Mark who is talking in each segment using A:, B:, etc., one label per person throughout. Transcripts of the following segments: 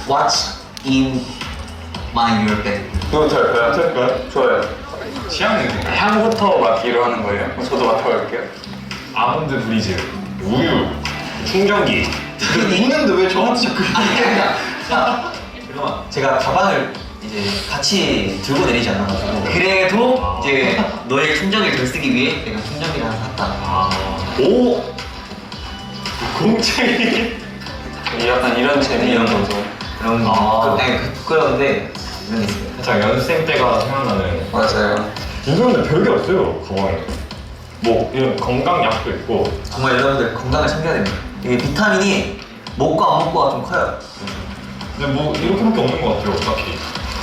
A: What's in my your bag?
B: 그거부터 할까요? 좋아요. 취향 냄새. 향부터 맡기로 하는 거예요? 그럼 저도 맡아볼게요.
C: 아몬드 브리즈, 우유, 충전기.
B: 있는데 왜 저한테 자꾸
A: 잠깐만. 제가 가방을 이제 같이 들고 내리지 않아가지고 그래도 이제 너의 충전기를 덜 쓰기 위해 내가 충전기를 하나 샀다.
C: 오! 공책이.
B: 약간 이런 재미 이런 거죠.
A: 그런 거. 그런데 이런 게 있어요.
C: 살짝 연습생 때가 생각나는.
B: 맞아요.
C: 이거는 별게 없어요, 가방에. 뭐 이런 건강약도 있고.
A: 정말 여러분들 건강을 챙겨야 됩니다. 이게 비타민이 먹고 안 먹고가 좀 커요.
C: 근데 뭐 이렇게밖에 없는 것 같아요, 딱히.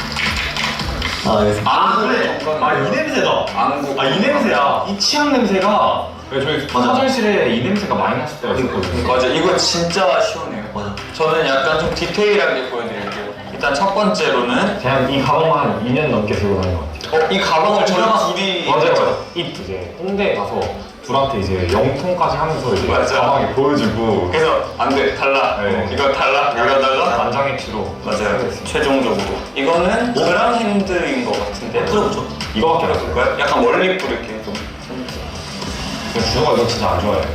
B: 아,
C: 이 냄새다.
B: 안구.
C: 이 냄새야. 이 치약 냄새가. 저희 화장실에 이 냄새가 많이 났을 때가 있었거든요.
B: 맞아, 이거 진짜 시원해요.
A: 맞아.
B: 저는 약간 좀 디테일하게 보여드릴게요. 일단 첫 번째로는
C: 그냥 이 가방만 한 2년 넘게 들고 다니는 것 같아요.
B: 이 가방을 저희 둘이
C: 맞아요. 이제 홍대 가서 둘한테 이제 영통까지 하면서 이제
B: 맞아.
C: 가방에 보여주고.
B: 그래서 안 돼, 달라.
C: 네.
B: 이거 달라. 이러다가
C: 만장일치로.
B: 맞아요. 최종적으로 이거는 오브랑 핸드인 것 같은데.
A: 풀어보죠.
C: 이거밖에 안 했어요.
B: 약간 멀리 뿌릴게 좀.
C: 준호가 이거 진짜 안 좋아해.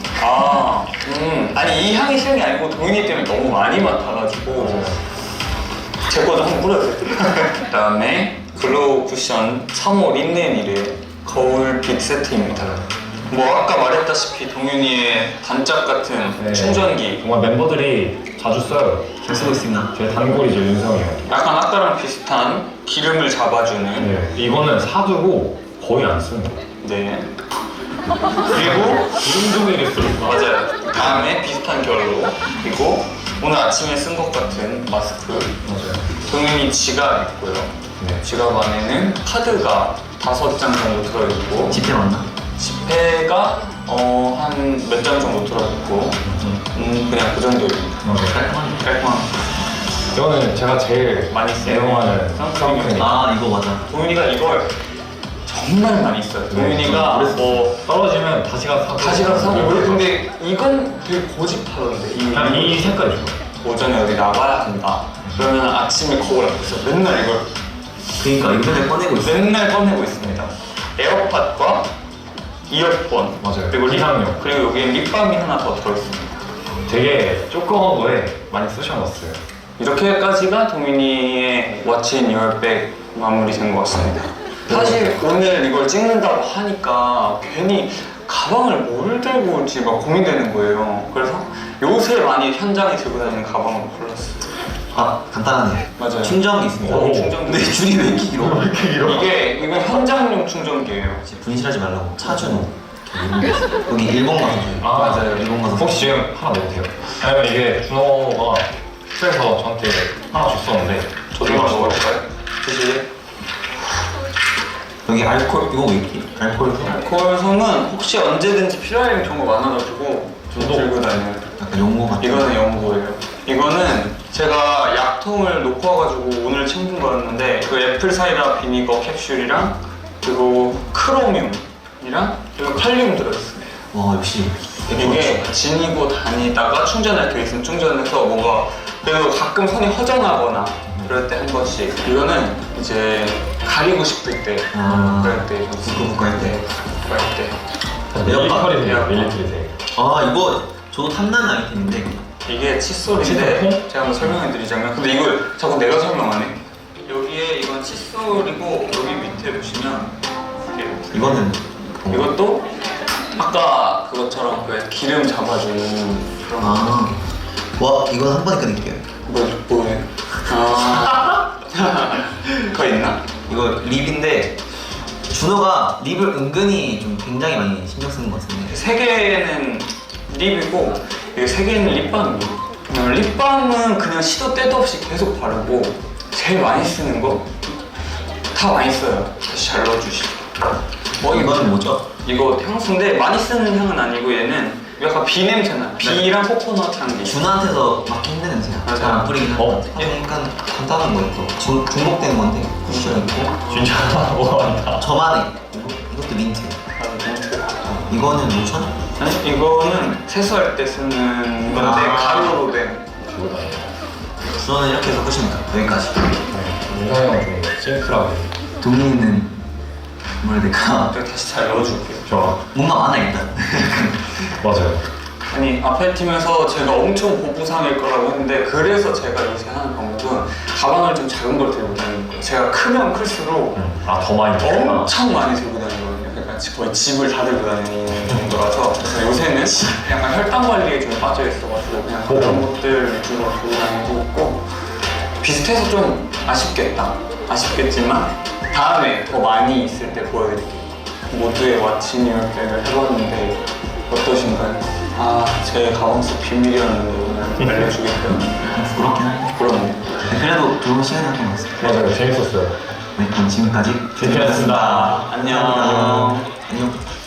B: 아니 이 향이 싫은 게 아니고 도윤이 때문에 너무 많이 맡아가지고 제 거도 한번 뿌려도 돼. 그다음에 글로우 쿠션 3호 린넨이래 거울빛 세트입니다. 뭐 아까 말했다시피 동윤이의 단짝 같은
C: 네.
B: 충전기.
C: 정말 멤버들이 자주 써요.
A: 잘 쓰고 있습니다.
C: 제 단골이죠, 윤성이요.
B: 약간 아까랑 비슷한 기름을 잡아주는.
C: 네. 이거는 사두고 거의 안 쓰는 거예요.
B: 네. 그리고
C: 기름 종이를 쓰니까.
B: 맞아요. 다음에 비슷한 결로. 그리고 오늘 아침에 쓴 것 같은 마스크.
C: 맞아요.
B: 동윤이 지갑 있고요.
C: 네.
B: 지갑 안에는 카드가 5장 정도 들어있고
A: 집회 맞나?
B: 지폐가 한 몇 장 정도 들어있고 그냥 그 정도입니다.
C: 맞아요.
A: 깔끔하네.
B: 깔끔한.
C: 이거는 제가 제일
B: 많이 쓰는
C: 애용하는
B: 선크림.
A: 이거 맞아.
B: 동윤이가 이걸 정말 많이 써요. 동윤이가 뭐
C: 떨어지면 다시 가서 사고.
B: 다시 가서 사고 그래. 근데 이건 되게 고집하던데.
C: 그냥 이 색깔이 좋아요.
B: 오전에 어디 나가야 한다. 그러면 아침에 거울 앞에서 맨날 이걸
A: 그러니까 이거 맨날 꺼내고 있어.
B: 맨날 꺼내고 있습니다. 에어팟과 이어폰.
C: 맞아요.
B: 그리고
C: 기상용.
B: 그리고 여기에 립밤이 하나 더 들어있습니다.
C: 되게 조그만 거에 많이 쓰셔놨어요.
B: 이렇게까지가 동민이의 What's in your bag 마무리 된 것 같습니다. 사실 오늘 이걸 찍는다고 하니까 괜히 가방을 뭘 들고 올지 막 고민되는 거예요. 그래서 요새 많이 현장에 들고 다니는 가방으로 골랐어요.
A: 간단하네.
B: 맞아요.
A: 충전기 있습니다.
C: 오.
B: 충전기.
A: 근데 줄이 왜 이렇게 길어?
C: 왜 이렇게 길어?
B: 이거 현장용 충전기예요.
A: 이제 분실하지 말라고 차주노. 여기 일본 가서 줘요.
B: 맞아요.
A: 일본 가서.
C: 혹시 지금 하나 넣어도 돼요? 아니면 이게 준호가 숙소에서 저한테 하나 줬었는데
B: 저도
C: 이거
B: 먹어볼까요? 드실래요?
A: 여기 알콜 이거 왜 이렇게? 알콜
B: 알코올솜은 혹시 언제든지 필요할 경우가 많아가지고 좀
C: 저도.
B: 들고 다녀요.
A: 약간 연고 같은.
B: 이거는 연고예요. 이거는 제가 약통을 놓고 와가지고 오늘 챙긴 거였는데 그 애플 사이다 비니거 캡슐이랑 그리고 크로뮴이랑 그리고 칼륨 들어있어요.
A: 와 역시.
B: 이게 지니고 다니다가 충전할 때 있으면 충전해서 뭔가 그래도 가끔 손이 허전하거나 그럴 때 한 번씩. 이거는 이제 가리고 싶을 때 그럴 때
A: 부끄부끄 할 때.
B: 그럴 때.
C: 밀리터리세요, 밀리터리세요.
A: 이거 저도 탐나는 아이템인데.
B: 이게 칫솔인데
C: 칫솔?
B: 제가 한번 설명해 드리자면 근데 이걸 자꾸 내가 설명하네. 여기에 이건 칫솔이고 여기 밑에 보시면 이렇게
A: 이거는
B: 이것도 아까 그것처럼 그 기름 잡아주는 그런
A: 와 이건 한 번에 끊을게요.
B: 뭐예요? 그거 있나?
A: 이거 립인데 준호가 립을 은근히 좀 굉장히 많이 신경 쓰는 것 같은데.
B: 세 개는 립이고 이게 세 개는 립밤이에요. 립밤은 그냥 시도 때도 없이 계속 바르고 제일 많이 쓰는 거 다 많이 써요. 다시 잘 넣어주시고.
A: 이거는 뭐죠?
B: 이거 향수인데 많이 쓰는 향은 아니고 얘는 약간 비 냄새나. 비랑 코코넛 향기.
A: 준호한테서 맡기 힘든 냄새야.
B: 맞아.
A: 잘 안 뿌리긴 하는데. 약간 간단한 거예요. 또 중복되는 건데 쿠션 있고.
C: 진짜 뭐가 많다.
A: 저만의 이것도 민트. 이거는 로션?
B: 아니 이거는 세수할 때 쓰는 건데 가루로 된.
C: 들고 다녀요.
A: 저는 이렇게 해서 끝입니다. 여기까지.
C: 민성이 형은 좀 심플하게.
A: 동민이는 뭐라 해야 될까?
B: 저 다시 잘 넣어줄게요.
C: 좋아.
A: 뭔가 많아 일단.
C: 맞아요.
B: 아니 앞에 팀에서 제가 엄청 보부상일 거라고 했는데 그래서 제가 요새 하는 방법은 가방을 좀 작은 걸 들고 다니는 거예요. 제가 크면 클수록
C: 더 많이 들구나.
B: 엄청 많이 들고 다니거든요. 그러니까 거의 집을 다 들고 다니는 정도라서 그래서 요새는 약간 혈당 관리에 좀 빠져 있어가지고 그냥 그런 것들 위주로 들고 다니고 있고 비슷해서 좀 아쉽겠지만 다음에 더 많이 있을 때 보여드릴게요. 모두의 왓츠 뉴얼백을 해봤는데 어떠신가요? 아, 제 가방 속 비밀이었는데 오늘 알려주겠어요.
A: 부끄럽긴 한데.
B: 부끄럽네요.
A: 그래도 좋은 시간이었던 것 같습니다.
C: 맞아요. 재밌었어요.
A: 네, 그럼 지금까지
C: 재밌었습니다.
B: 안녕.
A: 안녕.